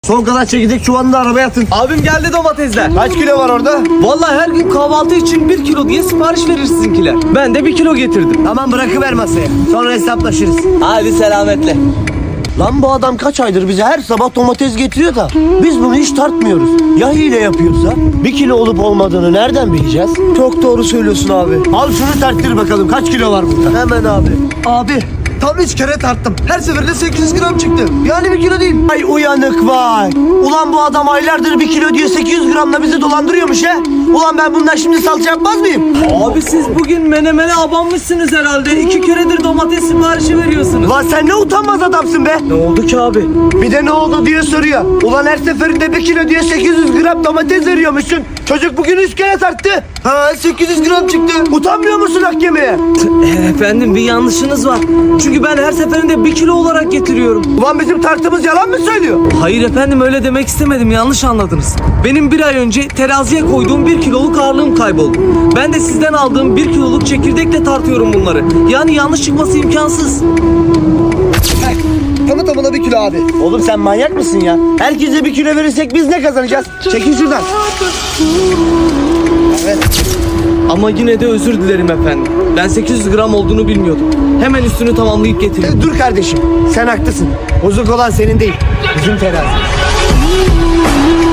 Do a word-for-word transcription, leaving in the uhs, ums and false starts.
Son kadar çekirdek çuvalını da arabaya atın. Abim geldi domatesler. Kaç kilo var orada? Vallahi her gün kahvaltı için bir kilo diye sipariş verir sizinkiler. Ben de bir kilo getirdim. Tamam, bırakıver masaya. Sonra hesaplaşırız. Hadi selametle. Lan bu adam kaç aydır bize her sabah domates getiriyor da biz bunu hiç tartmıyoruz. Ya hile yapıyorsa? Bir kilo olup olmadığını nereden bileceğiz? Çok doğru söylüyorsun abi. Al şunu tarttır bakalım, kaç kilo var burada? Hemen abi. Abi tam üç kere tarttım. Her seferinde sekiz yüz gram çıktı. Yani bir kilo değil. Ay uyanık vay. Ulan bu adam aylardır bir kilo diye sekiz yüz gramla bizi dolandırıyormuş he. Ulan ben bundan şimdi salça yapmaz mıyım? Abi siz bugün menemene abanmışsınız herhalde. İki keredir domates siparişi veriyorsunuz. Lan sen ne utanmaz adamsın be. Ne oldu ki abi? Bir de ne oldu diye soruyor. Ulan her seferinde bir kilo diye sekiz yüz gram domates veriyormuşsun. Çocuk bugün üç kere tarttı. Ha, sekiz yüz gram çıktı. Utanmıyor musun hak yemeye? Efendim bir yanlışınız var. Çünkü ben her seferinde bir kilo olarak getiriyorum. Ulan bizim tartımız yalan mı söylüyor? Hayır efendim öyle demek istemedim, yanlış anladınız. Benim bir ay önce teraziye koyduğum bir kiloluk ağırlığım kayboldu. Ben de sizden aldığım bir kiloluk çekirdekle tartıyorum bunları. Yani yanlış çıkması imkansız. Tamı tamına bir kilo abi. Oğlum sen manyak mısın ya? Herkese bir kilo verirsek biz ne kazanacağız? Çekil şuradan. Evet. Ama yine de özür dilerim efendim. Ben sekiz yüz gram olduğunu bilmiyordum. Hemen üstünü tamamlayıp getirdim. E, dur kardeşim. Sen haklısın. Bozuk olan senin değil. Bizim terazi.